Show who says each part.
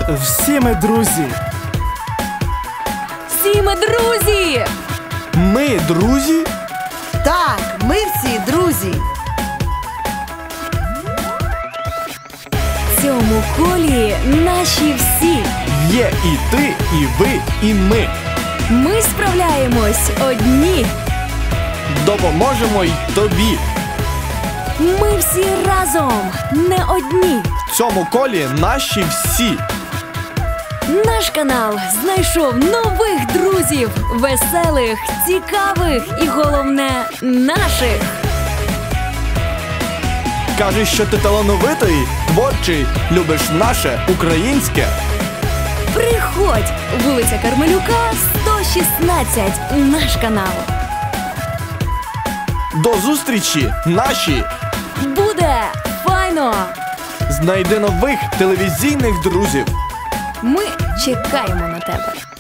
Speaker 1: Всі ми друзі.
Speaker 2: Всі ми друзі!
Speaker 1: Ми друзі?
Speaker 3: Так, ми всі друзі.
Speaker 2: В цьому колі наші всі.
Speaker 1: Є і ти, і ви, і ми.
Speaker 2: Ми справляємось одні.
Speaker 1: Допоможемо й тобі.
Speaker 2: Ми всі разом, не одні.
Speaker 1: В цьому колі наші всі.
Speaker 2: Наш канал знайшов нових друзів, веселих, цікавих і, головне, наших.
Speaker 1: Кажеш, що ти талановитий, творчий, любиш наше, українське.
Speaker 2: Приходь! Вулиця Кармелюка, 116. Наш канал.
Speaker 1: До зустрічі, наші!
Speaker 2: Буде файно!
Speaker 1: Знайди нових телевізійних друзів.
Speaker 2: Ми чекаємо на тебе.